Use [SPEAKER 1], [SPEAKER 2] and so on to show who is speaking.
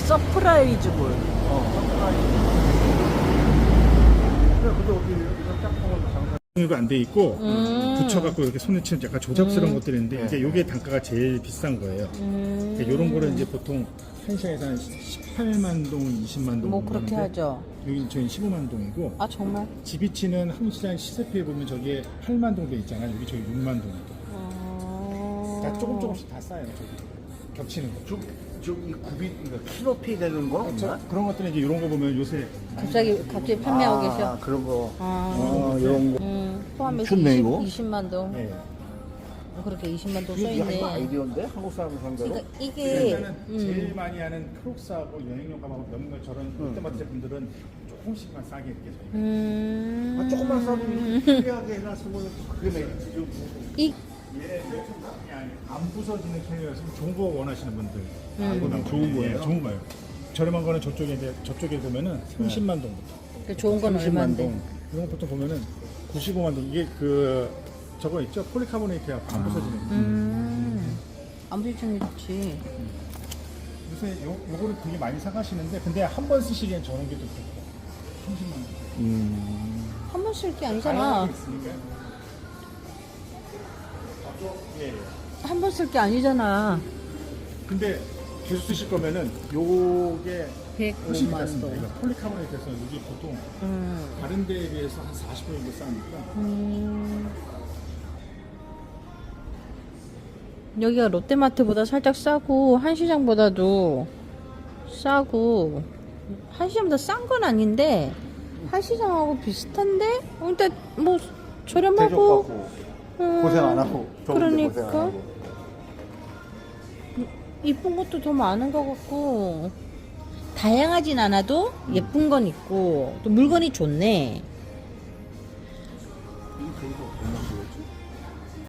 [SPEAKER 1] 서프라이즈볼.
[SPEAKER 2] 근데 어디 이런 짝꿍은 장사.
[SPEAKER 3] 이거 안 돼 있고 붙여갖고 이렇게 손에 치는 약간 조잡스러운 것들이 있는데 이제 요게 단가가 제일 비싼 거예요. 그러니까 이런 거를 이제 보통 한 시장에서 한 18만 동, 20만 동.
[SPEAKER 1] 뭐 그렇게 하죠.
[SPEAKER 3] 여기 저희 15만 동이고.
[SPEAKER 1] 아 정말?
[SPEAKER 3] 지비치는 한시장 시세표에 보면 저기에 8만 동도 있잖아요. 여기 저기 6만 동도. 그러니까 조금씩 다 싸요. 저기 겹치는 거.
[SPEAKER 2] 저이 굽이 그러니까 키로피 되는 거?
[SPEAKER 3] 그런 것들은 이제 이런 거 보면 요새
[SPEAKER 1] 갑자기 판매하고 계셔.
[SPEAKER 2] 그런 거.
[SPEAKER 3] 이런 거.
[SPEAKER 1] 포함해서
[SPEAKER 2] 좋네, 이거.
[SPEAKER 1] 20만 동.
[SPEAKER 3] 네.
[SPEAKER 1] 그렇게 20만 동
[SPEAKER 2] 이게
[SPEAKER 1] 써있네.
[SPEAKER 2] 아이디어인데 한국 사람 상대로.
[SPEAKER 1] 그러니까 이게
[SPEAKER 3] 일단은 제일 많이 하는 크록스하고 여행용 가방 몇몇 저런 롯데마트 제품들은 조금씩만 싸게 이렇게 저희.
[SPEAKER 2] 조금만 싸도 편리하게 해놨으면 그게 메리트죠.
[SPEAKER 1] 이
[SPEAKER 3] 안 부서지는 캐리어에서 좋은 거 원하시는 분들.
[SPEAKER 2] 좋은 거예요?
[SPEAKER 3] 예, 좋은 거예요. 저렴한 거는 저쪽에 보면은 30만 동부터.
[SPEAKER 1] 그 좋은 건
[SPEAKER 3] 30만
[SPEAKER 1] 얼마인데?
[SPEAKER 3] 동. 이런 거 보통 보면은 95만 동. 이게 저거 있죠? 폴리카보네이트야 안 부서지는 거.
[SPEAKER 1] 안 부딪히는 게 좋지.
[SPEAKER 3] 요새 요거를 되게 많이 사가시는데 근데 한 번 쓰시기엔 저런 게 더 좋고 30만 동.
[SPEAKER 1] 한 번 쓸 게 아니잖아.
[SPEAKER 3] 예.
[SPEAKER 1] 한 번 쓸 게 아니잖아.
[SPEAKER 3] 근데 계속 쓰실 거면은 요게 훨씬
[SPEAKER 1] 105만
[SPEAKER 3] 비쌌습니다.
[SPEAKER 1] 동.
[SPEAKER 3] 이거 폴리카보네이트에서 이게 보통 다른 데에 비해서 한 40% 정도 싸니까.
[SPEAKER 1] 여기가 롯데마트보다 살짝 싸고 한시장보다도 싸고 한시장보다 싼 건 아닌데 한시장하고 비슷한데 근데 뭐 저렴하고
[SPEAKER 2] 대접받고 고생 안 하고 좋은데 고생 안
[SPEAKER 1] 그러니까
[SPEAKER 2] 하고.
[SPEAKER 1] 이쁜 것도 더 많은 것 같고 다양하진 않아도 예쁜 건 있고 또 물건이 좋네.
[SPEAKER 2] 이 그래도 얼마 주겠지?